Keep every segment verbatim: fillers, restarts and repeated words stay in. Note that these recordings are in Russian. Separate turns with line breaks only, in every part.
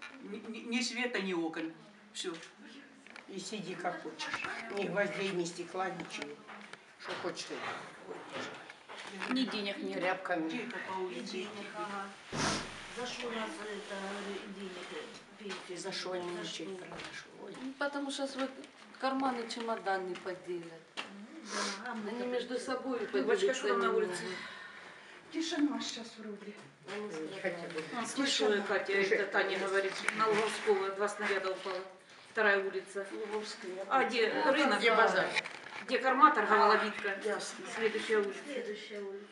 Ни, ни, ни света, ни окон. Все.
И сиди как хочешь. Ни гвоздей, ни стекла, ничего. Что хочешь.
Ни денег нет.
Тряпками.
Тихо по улице.
Денег, ага. За что у нас это денег пить?
За что они ничего не
Ну, потому что свой карманы чемодан не поделят.
Да, а мы
Они между собой
Бабочка, что там на улице?
Тишина сейчас вроде.
А, слышала я, Катя, это Таня говорит, на Луговского два снаряда упало. Вторая улица. А где рынок?
Где базар?
Где корма торговала Витка?
Ясно.
Следующая улица.
Следующая улица.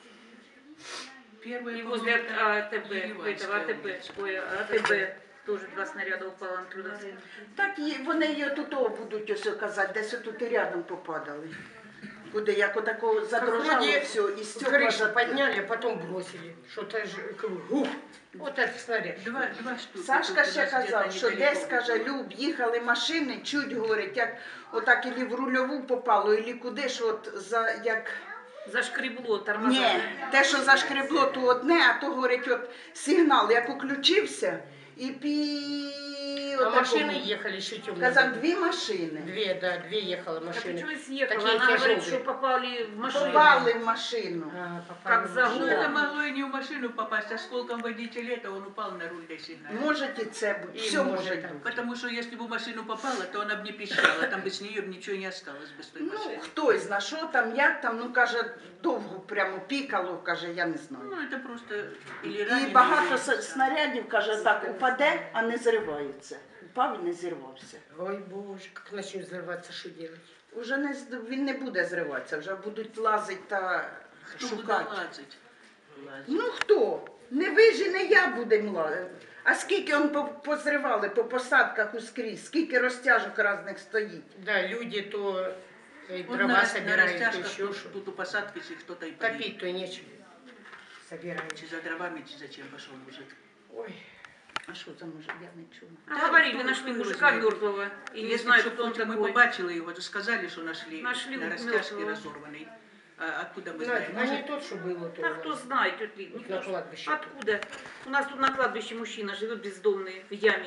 Первая
И возле АТБ, этого
Ереванская
АТБ,
улица.
ой, АТБ тоже два снаряда упало оттуда.
Так і вони її тут будуть ось казати, десь тут і рядом попадали. Куди, як отако задрожало все, і стекла
Крышу
за-
подняли, а потом бросили. Что-то же, гуф. Вот этот снаряд.
Два, два штуки.
Сашка
тут у
ще
нас
казав,
где-то
що
недалеко
десь, каже,
було.
Люб, їхали машини, чуть, говорить, як отак ілі в рульову попало, ілі куди ж от за, як...
Зашкребло тормоза.
Ні, те, що зашкребло, то одне, а то, говорить, от сигнал, як уключився, і пі...
А
отако.
машины ехали еще темные.
Казав, дві машини.
Две, да, две ехала
Так
машины.
почему съехала?
Такие
Она говорит,
тяжелые.
что попали в машину.
Попали в машину.
А, попали
Как
в
за
машину.
Ну,
Да.
это могло и не в машину попасть, а осколком водителя, это он упал на руль до сигнала.
Може і це бути,
І
все
може
може
так.
бути.
Потому что если бы в машину попала, то она бы не пищала, там бы с нее ничего не осталось бы с той
Ну,
машины.
хтось зна, що там, як там, ну, каже, довго прямо пікало, каже, я не знаю.
Ну, это просто или
І
раненый,
багато
или-
с- снарядів, каже, так, упаде, а не зривається. Упав і не зірвався.
Ой, боже, как начнет взрываться, что делать?
Уже не, з- він не буде зриватися, вже будуть лазити та
Кто будет
шукати.
лазать? Лазить.
Ну хто? Не ви ж і не я будемо лазити. А скільки он по- позривали по посадках ускрізь, скільки розтяжок різних стоїть.
Да, люди то э,
Вот
дрова
на, на
собирают, то
растяжках
еще
тут,
что.
тут у посадки если кто-то и погиб.
Топить-то нечем. Собираем.
Чи за дровами, чи зачем пошел мужик.
Ой,
А що за мужик, я не чула.
А
Да,
говорили,
кто-
нашли
кто его
мужика
знает.
мертвого. И не
Если
знают,
бы
кто он
мы
такой.
побачили его, то сказали, что нашли,
Нашли
на растяжке
мертвого.
разорванный. А откуда мы
Надя,
знаем?
а не
Может,
тот, что было, то
А
у
кто
нас.
знает, тетя Лид,
Вот
никто
на
ж-
кладбище.
Откуда? У нас тут на кладбище мужчина живет бездомный, в яме.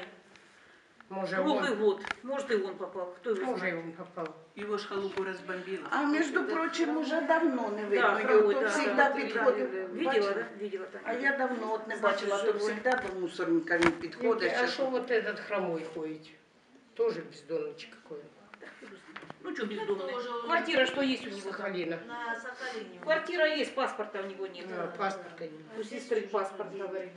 Может,
Круглый
он,
год. Может, и он попал. Кто его
может,
знает?
он попал.
его ж халупу разбомбило.
А між прочим, уже давно не
Да,
видно
хромой,
його, то
да,
завжди
да,
підходив.
Видела,
Бачила?
да? Видела так.
А я давно от не
Значить,
бачила, то
живой.
завжди до мусорника він підходить.
А
ще
что вот этот хромой ходит? Тоже бездомничек какой.
Ну что бездомный? Квартира что есть у него? там?
Сахалина.
На Сахалине. Квартира есть, паспорта у него нет.
А, паспорта нет.
У сестры паспорт, говорит.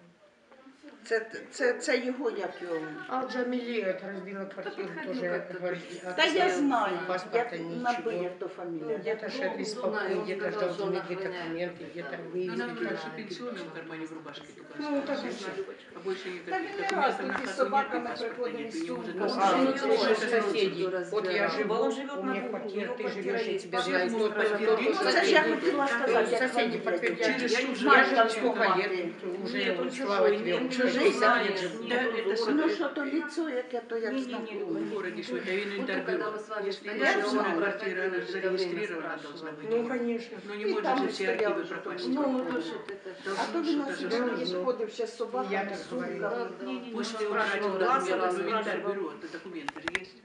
Це, це, це його, як його.
А вот Джамили это разбила квартиру,
подходи
тоже
как-то.
говорит.
Та я
отца,
знаю,
паспорта
я
ничего.
набив, як то фамілія.
Где-то
Ну,
шеф беспокоил,
знаю, он
где-то
сказал,
ждал
что он
другие
охраняет.
документы, где-то
Ну,
выездили.
нам наши пенсионные в кармане в рубашке только
Ну,
осталось.
так и всё.
А больше никаких
Та він не раз
документов на
тут із
хату
собаками
нет, и паспорта
приходили
нет,
з
и может
сумку.
А,
Ну,
вот
ну,
наши
ну,
соседи.
ну,
Вот я
разбирал.
живу,
Он живет
у
на
меня
двух, у
квартира,
него
ты
квартира
живешь, я
есть.
тебя
Все
знаю.
могут
Кто-то,
подтвердить,
кто-то,
Ну, це ж я
соседи.
хотіла сказати, як
Соседи
фамілія
подтвердят.
Через
дівчинки.
чужих
Я
Знаешь,
же
там
сколько
мати.
лет, уже,
Нет, он
слава
чужой,
тебе,
нет,
уже
чужой,
шестьдесят
знаешь,
лет живу.
Да,
нет,
это
он
самое.
Ну
город.
що то ліцо, яке то як
Не-не-не,
знакоме.
В городе свой, да,
Вот
инвентарь
когда
был.
мы с вами
Если
стояли,
есть
он
на
знал,
квартира, она
это
зарегистрирована
время
должна быть.
Ну, конечно.
Ну, не
И
может
там
же все
стоял
архивы
уже
пропасть.
Ну, ну, то, что это.
А
Должно
то він на
что-то же
сьогодні
быть.
сходив ще з
Я
собаками,
так
з
говорю.
сумками.
Не-не-не,
Пусть
он
ты убрать
спрашивал,
туда,
раз,
где
раз,
инвентарь
спрашивал.
берет, то документы же есть.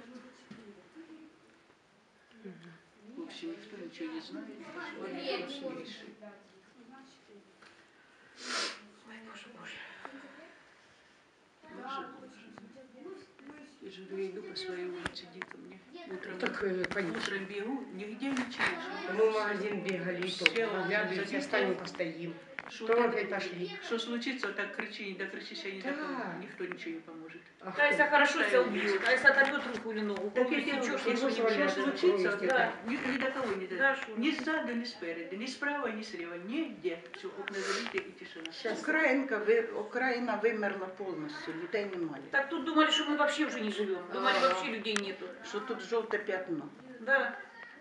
В общем, никто ничего не знает. Вопрос не решит.
Ой, боже, боже.
Боже, боже. Я же говорю, я иду по своей улице, дико мне. Утром,
Так, э, конечно.
утром бегу, нигде ничего.
Мы в магазин бегали, и то
Села,
оглядывались,
забегала.
встанем, постоим.
Что,
То
там-
опять пошли.
что случится, вот так кричи, не докричишь, я не
Да.
такого, никто ничего не поможет.
Ах,
А если хорошо себя убьют, а если отобьет руку или ногу,
Так
так
если
если
что,
что,
что,
что не
что
будет.
случится,
Да.
да, ни, ни до кого не
Да,
дойдет.
шо.
Ни сзади, ни спереди, ни справа, ни слева, нигде. Все, окна залиты и тишина.
Сейчас.
Українка, ви, Україна вимерла повністю, людей немає.
Так тут думали, что мы вообще уже не живем. Думали,
Ага.
вообще людей нету.
Що тут жовте п'ятно.
Да.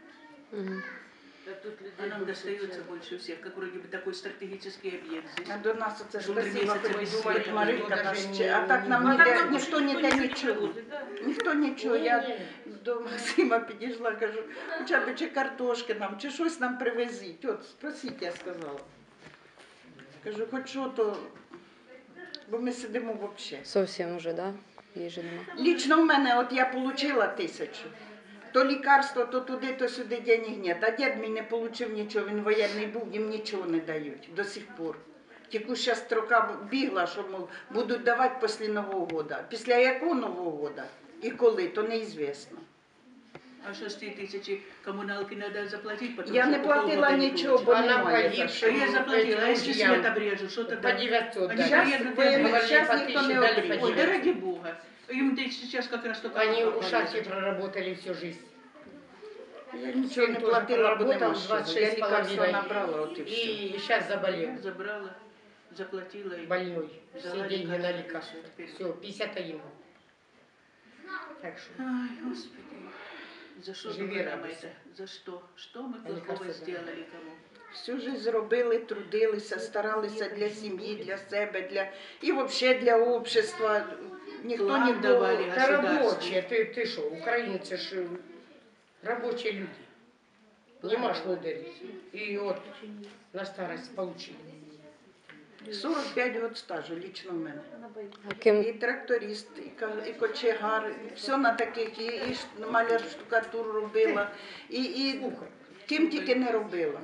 Да тут людей
А нам
больше,
достается
чем-
больше всех, как вроде бы такой стратегический объект здесь.
А до нас оце
Жовтий
спасибо,
місяць
хоч
без
думають,
світу.
Маринка
Даже
нас
не-
ще. А так нам
А так
ніде,
нам
ніхто
больше
ніде
не
нічого.
привозит, да.
Ніхто нічого.
Ні,
Я
ні.
до Максима підійшла, кажу, хоча б чи картошки нам, чи щось нам привезіть. От, спросіть, я сказала. Кажу, хоч що то бо ми сидимо взагалі.
Совсем уже, да? Їжі нема.
Лічно в мене, от я отримала тисячу. То лікарство, то туди, то сюди денег нет. А дід мій не отримав нічого, він воєнний був, їм нічого не дають до сих пор. Тільки зараз строка бігла, що мов, будуть давати після Нового року. Після якого Нового року і коли, то неізвісно.
А что с три тысячи коммуналки надо заплатить? Потому
Я
что
не
по
платила
полгода не
ничего, бо
получится.
Она
немає за
погибшая.
що.
А я заплатила, а если
Этим
свет обрежут, что
По
тогда?
девятьсот
Они
дали.
Щас
приедут,
ви-
и
говорили,
щас
по
ніхто
тисячі
не
дали,
отримує.
по
Ой, да ради Бога. Им да сейчас как раз только...
Они
окна
у шахте
повесят.
проработали всю жизнь.
Я нічого не
Сын тоже
платила, бо нема
проработал
що.
двадцать
Я
шесть с
лікарства
половиной.
набрала, от і все.
И сейчас заболел.
Забрала, заплатила. и
Больной.
взяла
Все деньги на
лекарства,
лекарства.
всё, теперь.
Все, пятьдесят один. Так что.
Ай, Господи. За что
Живи,
только нам
радуйся.
это? За что? Что мы
А
плохого
лекарства да.
сделали кому?
Всю жизнь зробили, трудилися, старалися для сім'ї, для себе, для і взагалі для общества. Ніхто
План
нікого.
давали.
Это
Государство.
рабочие. Ты, ты что, украинцы ж э, рабочие люди. Нема ж лодырей. И вот на старость получили.
сорок п'ять років стажу лічно в мене.
А ким
І тракторист, і, ка- і кочегар, все на таких, і, і ш- маляр штукатуру робила, і, і
Слухай.
ким тільки не робила.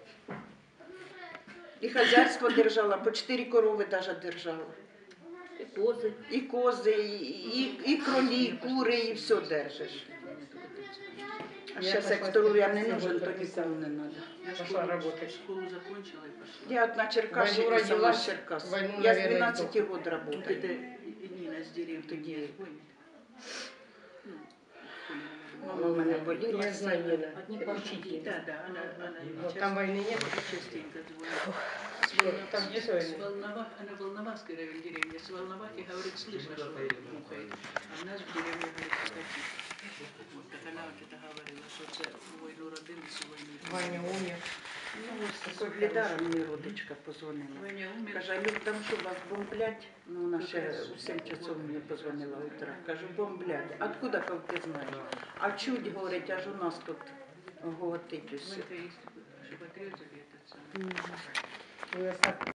І хазяйство держала, по чотири корови навіть держала.
И козы.
І кози, і, і, і кролі, і кури, і все держиш. А
Я
зараз, як
пошла
здоров'я не
спасибо,
нужен, то
прописала.
нікому не треба.
Я
Пошла
школу,
работать.
школу закончила и пошла.
Я от на Черкащине,
Войну
сама
родилась,
з Черкас.
войну,
Я с
наверное,
двенадцати
издохла.
год
Вот
работаю.
это Нина с деревни
Тоді.
не звонит. Ну,
Мама в мене боліла.
Я знаю, Нина. Учитель.
Да, да, она, она
Вот
часто-
там войны нет.
частенько звонит. С Волно-
Там где
с
войны?
Волнова- она в Волновахской районе деревни. С Волновахи, говорит, слышно, что мухает. А в нас в деревне, говорит, скотина. Вот так она вот это говорила, что це войну родились, і войну.
Ваня умер.
Ну, ось з Соглядара мені родичка позвонила.
Ваня умер.
Каже, Люк, там що вас бомблять? Ну, вона ще у сім часов мені позвонила утра. Кажу, бомблять. Откуда, як ти знаєш? А чуть, говорить, аж у нас тут гоготить усе.
Мы-то есть, чтобы отрезали этот самый.
Ну, я так